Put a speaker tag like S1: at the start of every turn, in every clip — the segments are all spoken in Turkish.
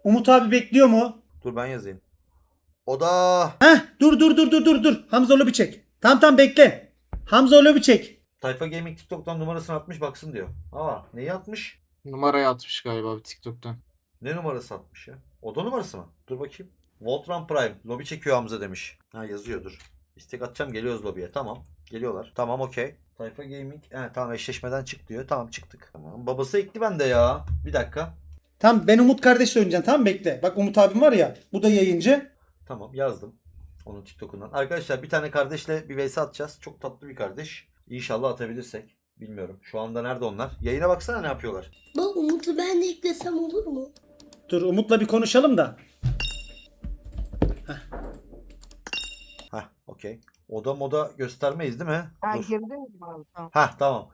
S1: Umut abi bekliyor mu?
S2: Dur ben yazayım. Oda.
S1: Heh, dur. Hamza lobi çek. Tamam bekle. Hamza lobi çek.
S2: Tayfa Gaming TikTok'tan numarasını atmış baksın diyor. Aa neyi atmış?
S3: Numarayı atmış galiba bir TikTok'tan.
S2: Ne numarası atmış ya? Oda numarası mı? Dur bakayım. Voltron Prime. Lobi çekiyor Hamza demiş. Ha yazıyordur. İstek atacağım geliyoruz lobiye. Tamam. Geliyorlar. Tamam okey. Tayfa Gaming. Tamam eşleşmeden çık diyor. Tamam çıktık. Tamam. Babası ekli bende ya. Bir dakika.
S1: Tamam ben Umut kardeşle oynayacağım. Tamam bekle. Bak Umut abim var ya. Bu da yayıncı.
S2: Tamam yazdım. Onun TikTok'undan. Arkadaşlar bir tane kardeşle bir vs atacağız. Çok tatlı bir kardeş. İnşallah atabilirsek. Bilmiyorum. Şu anda nerede onlar? Yayına baksana ne yapıyorlar.
S4: Bak Umut'u ben de eklesem olur mu?
S1: Dur Umut'la bir konuşalım da.
S2: Heh okey. Oda moda göstermeyiz değil mi?
S5: Ha
S2: Dur.
S5: girdin mi abi? Tamam.
S2: Heh tamam.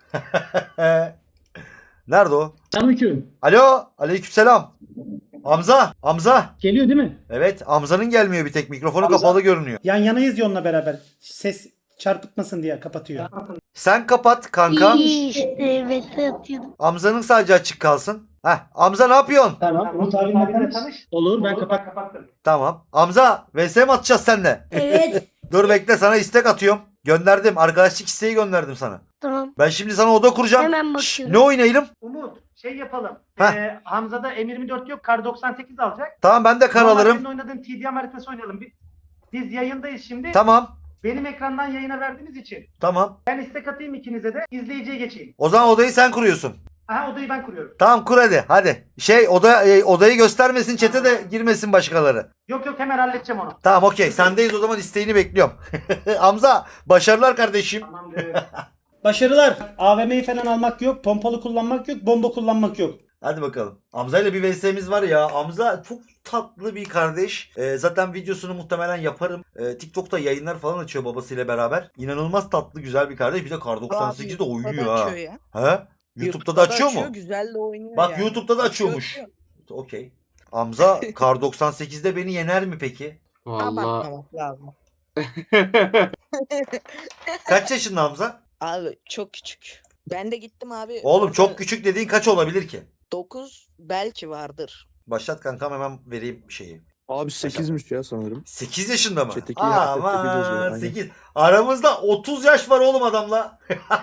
S2: Nerede o?
S1: Selamünaleyküm.
S2: Alo. Aleykümselam. Hamza. Hamza.
S1: Geliyor değil mi?
S2: Evet. Hamza'nın gelmiyor bir tek. Mikrofonu
S1: Hamza.
S2: kapalı görünüyor.
S1: Yan yanayız ya onunla beraber. Ses çarpıtmasın diye kapatıyor.
S2: Sen kapat kanka.
S4: İyi işte evet atıyordum.
S2: Hamza'nın sadece açık kalsın. Heh. Hamza ne yapıyorsun?
S1: Tamam. Umut abimle tanış. Olur ben kapattım.
S2: Tamam. Hamza vs mi atacağız seninle?
S4: Evet.
S2: Dur bekle sana istek atıyorum. Gönderdim. Arkadaşlık isteği gönderdim sana.
S4: Tamam.
S2: Ben şimdi sana oda kuracağım.
S4: Hemen
S2: Şşş,
S4: bakıyorum.
S2: ne oynayalım?
S6: Umut şey yapalım.
S2: Heh.
S6: Hamza'da M24 yok. Kar 98 alacak.
S2: Tamam ben de kar
S6: Normal
S2: alırım.
S6: senin oynadığın TDM haritası oynayalım. Biz yayındayız şimdi.
S2: Tamam.
S6: Benim ekrandan yayına verdiğiniz için.
S2: Tamam.
S6: Ben istek atayım ikinize de. İzleyiciye geçeyim.
S2: O zaman odayı sen kuruyorsun.
S6: Aha odayı ben kuruyorum.
S2: Tamam kur hadi. Hadi. Odayı göstermesin çete de girmesin başkaları.
S6: Yok hemen halledeceğim onu.
S2: Tamam okey. Sendeyiz o zaman isteğini bekliyorum. Hamza başarılar kardeşim.
S6: Tamamdır.
S1: Başarılar. AVM'yi falan almak yok. Pompalı kullanmak yok. Bomba kullanmak yok.
S2: Hadi bakalım. Hamza ile bir VS'miz var ya. Hamza çok tatlı bir kardeş. Zaten videosunu muhtemelen yaparım. TikTok'ta yayınlar falan açıyor babasıyla beraber. İnanılmaz tatlı güzel bir kardeş. Bir de Kar 98'de oynuyor ha.
S5: Ya.
S2: He? YouTube'da da açıyor mu?
S5: Güzel de oynuyor
S2: Bak
S5: yani.
S2: YouTube'da da
S5: Açıyor,
S2: açıyormuş.
S5: açıyor.
S2: Okey. Hamza Kar 98'de beni yener mi peki?
S3: Vallahi.
S5: Abartmamak lazım.
S2: Kaç yaşında Hamza?
S5: Abi çok küçük. Ben de gittim abi.
S2: Oğlum
S5: orada
S2: çok küçük dediğin kaç olabilir ki?
S5: 9 belki vardır.
S2: Başlat kankam hemen vereyim şeyi.
S7: Abi 8'miş ya sanırım.
S2: 8 yaşında mı?
S7: Chat'teki ya, chat'teki yazıyor,
S2: Aman
S7: aynen.
S2: 8. Aramızda 30 yaş var oğlum adamla.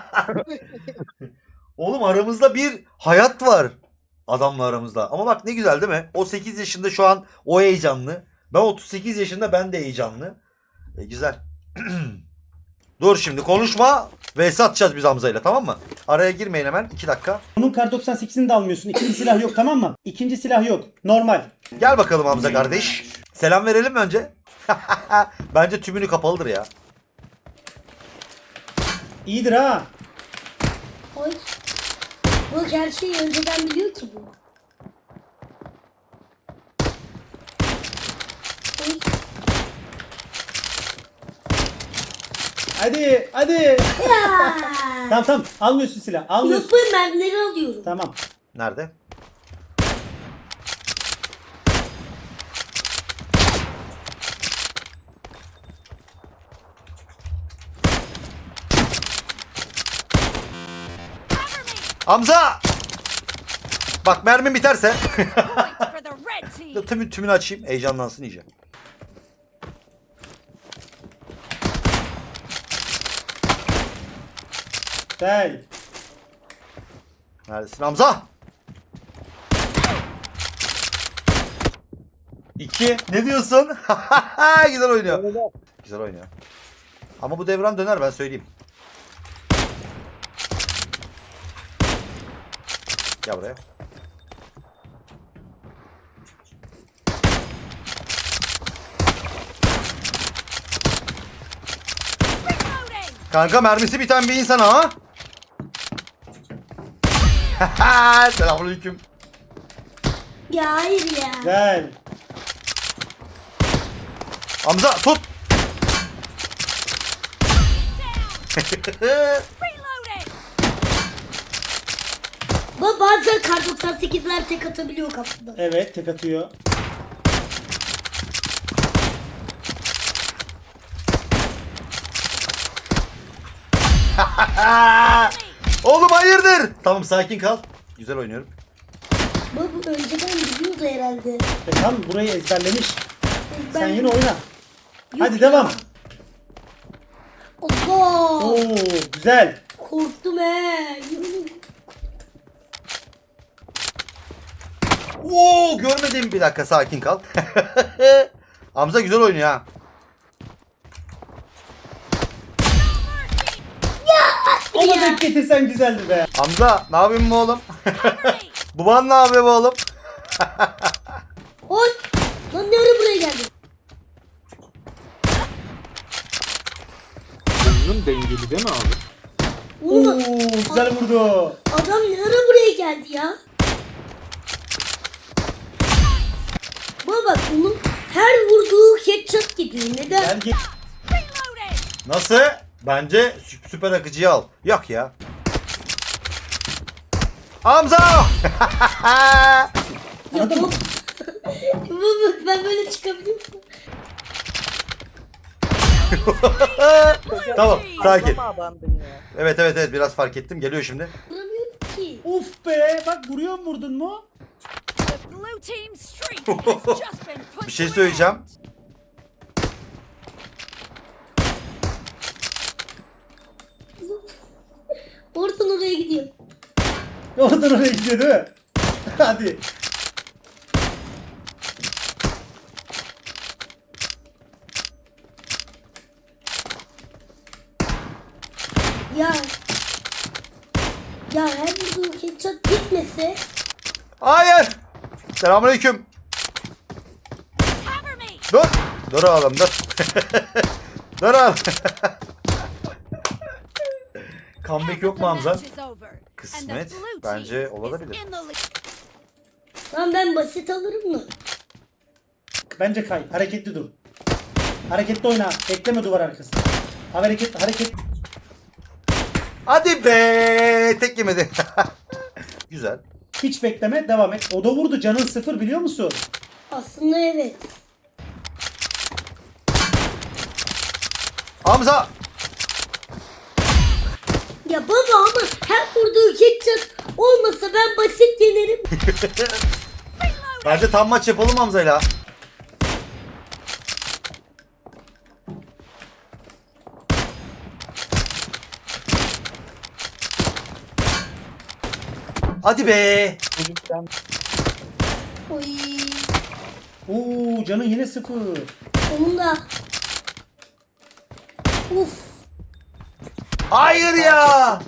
S2: Oğlum aramızda bir hayat var. Adamla aramızda. Ama bak ne güzel değil mi? O 8 yaşında şu an o heyecanlı. Ben 38 yaşında ben de heyecanlı. Güzel. Dur şimdi konuşma. VS atacağız biz Hamza'yla tamam mı? Araya girmeyin hemen 2 dakika.
S1: Bunun Kar 98'ini de almıyorsun. İkinci silah yok tamam mı? İkinci silah yok. Normal.
S2: Gel bakalım Hamza kardeş. Selam verelim mi önce? Bence tümünü kapalıdır ya.
S1: İyidir ha.
S4: Oy. Bak her şeyi önceden biliyor ki bu. Oy.
S1: Hadi.
S4: Ya.
S1: Tamam. Almıyorsun silah.
S4: Yok
S1: Almıyorsun.
S4: ben mermileri alıyorum.
S1: Tamam.
S2: Nerede? Hamza! Bak mermim biterse. Tümünü açayım. Heyecanlansın iyice.
S1: Gel.
S2: Neredesin Hamza? 2. Ne diyorsun? Güzel oynuyor. Güzel oynuyor. Ama bu devran döner ben söyleyeyim. Gel buraya. Kanka mermisi biten bir insan ha. Selamünaleyküm.
S4: Ya hayır ya.
S1: Gel.
S2: Hamza tut.
S4: Bak bazen Kar 98'ler tek atabiliyor kafada.
S1: Evet tek atıyor.
S2: Oğlum hayırdır? Tamam sakin kal. Güzel oynuyorum.
S4: Bu önceden biliyordu herhalde.
S1: Tam burayı ezberlemiş. Sen
S4: Ben-
S1: yine oyna.
S4: Yok
S1: Hadi
S4: ya.
S1: devam.
S4: Allah!
S1: Oo güzel.
S4: Korktum he.
S2: Oo görmedim, bir dakika sakin kal. Hamza güzel oynuyor ha.
S1: Ona denk getirsen güzeldi be.
S2: Hamza ne yapıyorsun bu oğlum? Baban ne yapıyor bu oğlum?
S4: Oy! Lan ne ara buraya geldin?
S3: Oyunun dengeli değil mi abi?
S1: Oo
S4: Oğlum
S1: güzel vurdu.
S4: adam ne ara buraya geldi ya? Baba bak onun her vurduğu headshot gidiyor. Neden?
S1: Gel gel.
S2: Nasıl? Bence süper akıcıyı al. Yok ya. Hamza!
S4: Ya
S1: Anladın mı?
S4: bak. Baba ben böyle çıkabiliyor muyum?
S2: Tamam sakin.
S5: Ama abandın ya.
S2: Evet biraz fark ettim. Geliyor şimdi.
S4: Vuramıyorum ki.
S1: Uf be bak vuruyor mu vurdun mu?
S2: Bir şey söyleyeceğim.
S4: Oradan oraya gidiyor.
S1: Oradan oraya gidiyor değil mi? Hadi.
S4: Ya. Ya her vurduğu headshot gitmese.
S2: Hayır. Selamünaleyküm. Dur. Dur oğlum dur. Dur oğlum. Comeback yok mu Hamza? Kısmet. Bence olabilir.
S4: Lan ben basit alırım mı?
S1: Bence kay. Hareketli dur. Hareketli oyna. Bekleme duvar arkası. Hareket.
S2: Hadi be. Tek yemedi. Güzel.
S1: Hiç bekleme. Devam et. O da vurdu. Canın 0 biliyor musun?
S4: Aslında evet.
S2: Hamza.
S4: Ya baba ama her vurduğu headshot olmasa ben basit yenerim.
S2: Bence tam maç yapalım Hamza'yla. Hadi be.
S5: Çocuktan
S4: Oy.
S1: Oo canın yine 0.
S4: Onun da. Uf.
S2: Hayır ya.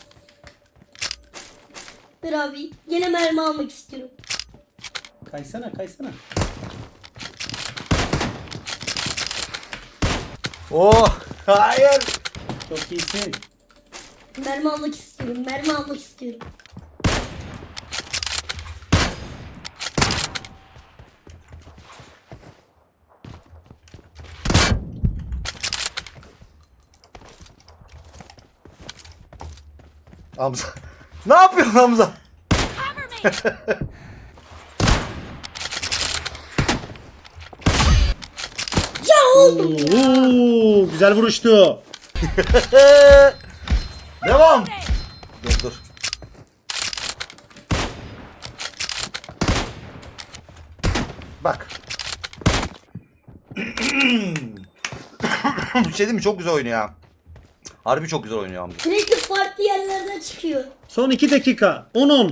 S4: Ver abi. Gene mermi almak istiyorum.
S1: Kaysana.
S2: Oh. Hayır.
S1: Çok iyisin.
S4: Mermi almak istiyorum.
S2: Hamza. Ne yapıyorsun Hamza?
S4: Ya oğlum ya.
S1: Oo güzel vuruştu.
S2: Devam. Dur. Bak. Bir şey değil mi? Çok güzel oynuyor ya. Harbi çok güzel oynuyor Hamza.
S4: Sürekli farklı yerlerden çıkıyor.
S1: Son 2 dakika. 10-10.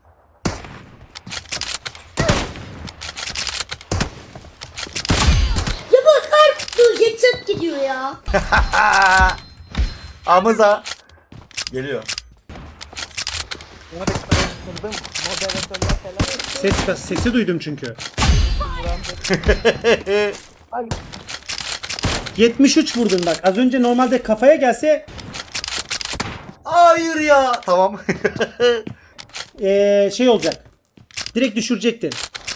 S4: Ya bak her vurduğu headshot gidiyor ya.
S2: Hamza. Geliyor.
S5: moderatörler falan.
S1: Sesi duydum çünkü. 73 vurdun bak. Az önce normalde kafaya gelse
S2: Hayır ya. Tamam.
S1: şey olacak. Direkt düşürecektin.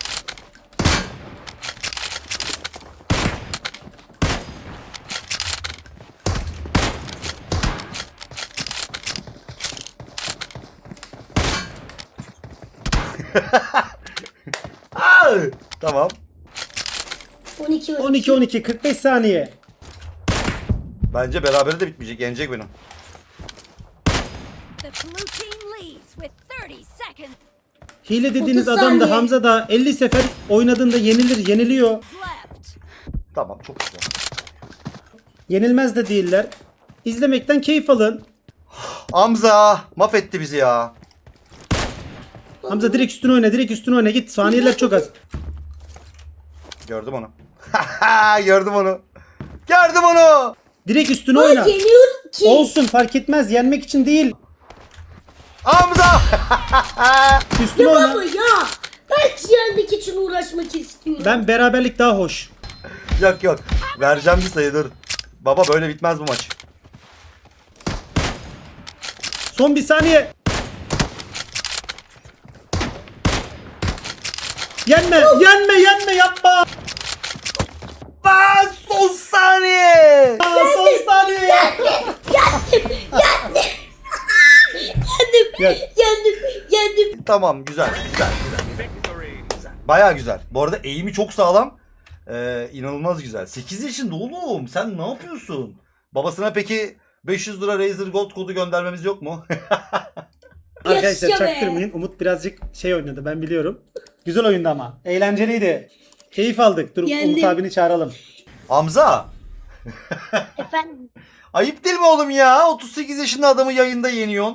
S2: Aa! Tamam.
S4: 12 var.
S1: 12 45 saniye.
S2: Bence berabere de bitmeyecek. Yenecek beni.
S1: Hile dediğiniz
S4: 30
S1: adam da
S4: saniye.
S1: Hamza da 50 sefer oynadığında yeniliyor.
S2: Tamam çok güzel.
S1: Yenilmez de değiller. İzlemekten keyif alın.
S2: Hamza mahvetti bizi ya.
S1: Hamza direkt üstüne oyna git. Saniyeler çok az.
S2: Gördüm onu. Gördüm onu. Gördüm onu.
S1: Direkt üstüne
S4: Ay
S1: oyna.
S4: geliyorum ki.
S1: Olsun fark etmez. Yenmek için değil.
S2: Hamza.
S1: Üstüne
S4: Ya
S1: oyna.
S4: baba ya. Ben yenmek için uğraşmak istiyorum.
S1: Ben beraberlik daha hoş.
S2: Yok yok. Vereceğim bir sayı dur. Baba böyle bitmez bu maç.
S1: Son bir saniye. Yenme yapma.
S2: Aa, son saniye.
S1: Son saniye.
S4: Yendim.
S2: Tamam güzel. Baya güzel. Bu arada eğimi çok sağlam. İnanılmaz güzel. 8 yaşında oğlum. Sen ne yapıyorsun? Babasına peki 500 lira Razer Gold kodu göndermemiz yok mu?
S1: Arkadaşlar
S4: Yaşa be.
S1: çaktırmayın. Umut birazcık şey oynadı ben biliyorum. Güzel oyundu ama. Eğlenceliydi. Keyif aldık. Dur
S4: Yendim.
S1: Umut abini çağıralım.
S2: Hamza.
S4: Efendim.
S2: Ayıp değil mi oğlum ya? 38 yaşında adamı yayında yeniyorsun.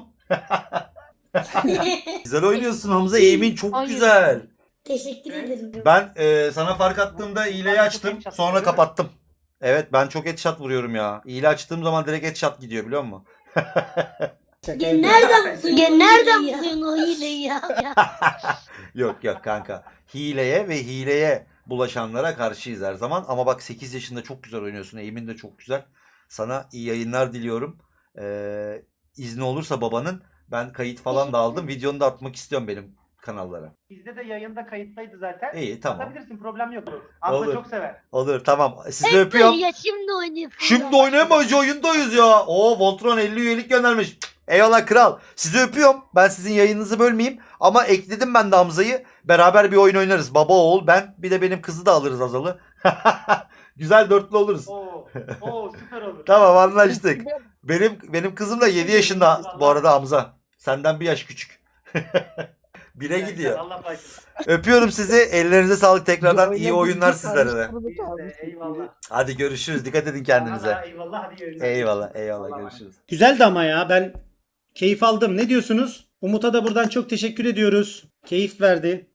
S2: Güzel oynuyorsun Hamza. Eğimin çok güzel.
S4: Teşekkür ederim.
S2: Ben sana fark attığımda hileyi açtım. Sonra kapattım. Evet ben çok headshot vuruyorum ya. Hile açtığım zaman direkt headshot gidiyor biliyor musun?
S1: Şaka
S4: Ya
S1: yapıyorum.
S4: nereden buluyorsun o hileyi ya?
S2: Yok yok kanka. Hileye ve hileye bulaşanlara karşıyız her zaman. Ama bak 8 yaşında çok güzel oynuyorsun. Eğimin de çok güzel. Sana iyi yayınlar diliyorum. İzni olursa babanın ben kayıt falan da aldım. Videonu da atmak istiyorum benim kanallara.
S6: Bizde de yayında kayıttaydı zaten.
S2: İyi tamam.
S6: Atabilirsin, problem yok. Hamza
S2: Olur.
S6: çok sever.
S2: Olur tamam. Sizi öpüyorum.
S4: Ya şimdi oynayayım.
S2: Şimdi oynayamayız oyundayız ya. Oo Voltron 50 üyelik göndermiş. Cık, eyvallah kral. Sizi öpüyorum. Ben sizin yayınınızı bölmeyeyim. Ama ekledim ben de Hamza'yı. Beraber bir oyun oynarız. Baba oğul ben. Bir de benim kızı da alırız Azal'ı. Güzel dörtlü oluruz.
S6: Oo süper olur.
S2: Tamam anlaştık. Benim kızım da 7 yaşında bu arada Hamza. Senden bir yaş küçük. Bire gidiyor.
S6: Allah başlasın.
S2: Öpüyorum sizi. Ellerinize sağlık tekrardan. İyi oyunlar sizlere de.
S6: Biz de eyvallah.
S2: Hadi görüşürüz. Dikkat edin kendinize.
S6: Sana da eyvallah, hadi yayınlar.
S2: Eyvallah
S6: Allah'a
S2: görüşürüz.
S1: Güzeldi ama ya ben keyif aldım. Ne diyorsunuz? Umut'a da buradan çok teşekkür ediyoruz. Keyif verdi.